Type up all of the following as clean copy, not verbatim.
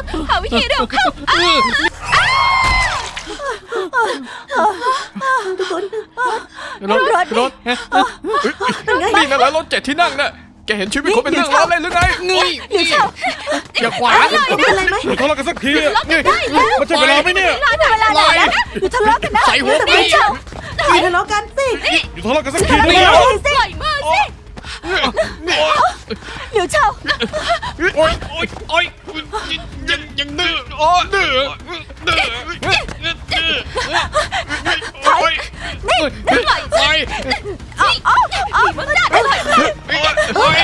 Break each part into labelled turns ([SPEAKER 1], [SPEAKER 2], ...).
[SPEAKER 1] หาวิธีเร็วเข้า
[SPEAKER 2] ทุกคน
[SPEAKER 3] รถนี่นะแล้วรถ7 ที่นั่งน่ะแกเห็นชีวิตคนเป็นเรื่องล้อเล่นหรือไงอย่าขวาง
[SPEAKER 2] เป็นอะไรไหม
[SPEAKER 4] ทะเลาะกันสักทีมันใช่เวลาไหมเนี่ย
[SPEAKER 2] เวลาไหนแล้วอยู่ทะเลาะกันนะ
[SPEAKER 3] ใส่หัว
[SPEAKER 2] ไม่
[SPEAKER 3] พี่
[SPEAKER 2] เช่าอย่าทะเลาะกันสิ
[SPEAKER 4] อยู่ทะเลาะกันสักที
[SPEAKER 2] ทะ
[SPEAKER 4] ได้
[SPEAKER 2] เลาะ
[SPEAKER 4] แล้ว
[SPEAKER 2] กันสิ
[SPEAKER 1] ปล่อยมือสิ
[SPEAKER 2] เดี๋ยวเช่า
[SPEAKER 4] โอ๊ยโอ๊ยโอ๊ยยังดื้ออ๋อดื้อโอ๊ย
[SPEAKER 2] นี่
[SPEAKER 4] ไป
[SPEAKER 1] มันได้ปล่อยมือ
[SPEAKER 4] โอ๊ย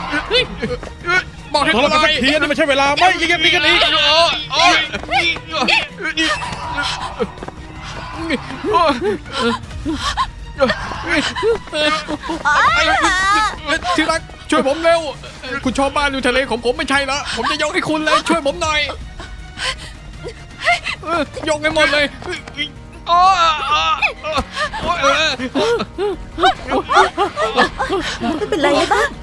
[SPEAKER 3] บอกให้
[SPEAKER 4] ทะเลาะกันสักทีนี่ไม่ใช่เวลาไม่ยิงกันดีกันอีก
[SPEAKER 3] ที่รักช่วยผมเร็วคุณชอบบ้านอยู่ทะเลของผมไม่ใช่ละผมจะยกให้คุณเลยช่วยผมหน่อยยกให้หมดเลย
[SPEAKER 2] ไม่เป็นไรนะบ้าง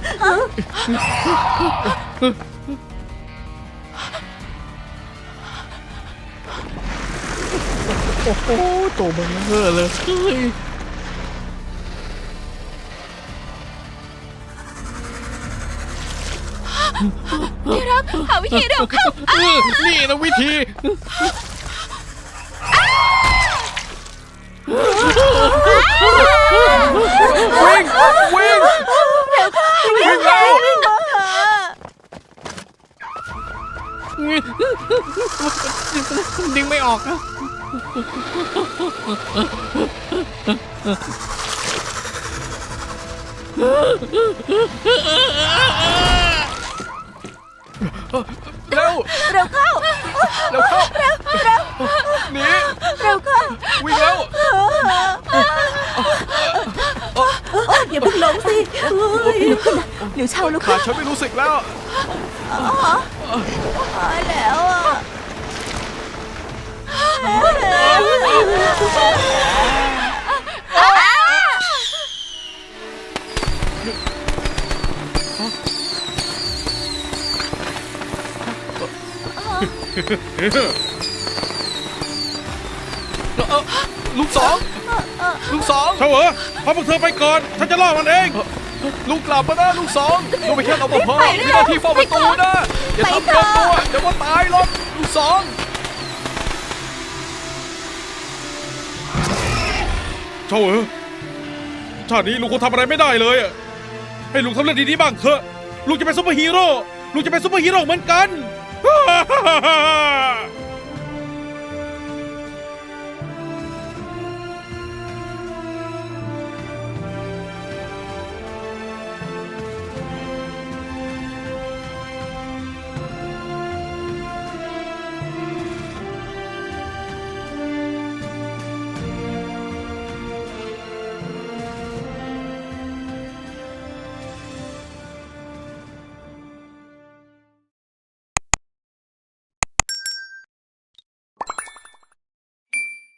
[SPEAKER 3] โอ้โหโตเบลอเลย
[SPEAKER 1] ที่รักหาวิธีเร็วเข้า
[SPEAKER 3] นี่นะวิธีวิ่งวิ่งวิ่งแล้วดึงไม่ออกนะเร็ว
[SPEAKER 2] เร็วเข้า
[SPEAKER 3] เร็วเข้าหนี
[SPEAKER 2] เร็วเข้า
[SPEAKER 3] วิ่งแล้ว
[SPEAKER 2] อย่าเพิ่งหลงสิเดี๋ยวเช่าลูก
[SPEAKER 3] ขาฉันไม่รู้สึกแล้ว
[SPEAKER 2] ตายแล้วอ่ะ
[SPEAKER 3] ลูกสองลูกสอง
[SPEAKER 4] เฉวอพาพวกเธอไปก่อนฉันจะล่อมันเอง
[SPEAKER 3] ลูกกลับมานะลูกสองลูกไปแค่รปภมีหน้าที่เฝ้าประตูนะอย่าทำเกินตัวเดี๋ยวว่าตายหรอกลูกสอง
[SPEAKER 4] เฉวอชาตินี้ลุงคงทำอะไรไม่ได้เลยอะให้ลุงทำเรื่องดีๆบ้างเถอะลุงจะเป็นซุปเปอร์ฮีโร่ลุงจะเป็นซุปเปอร์ฮีโร่เหมือนกัน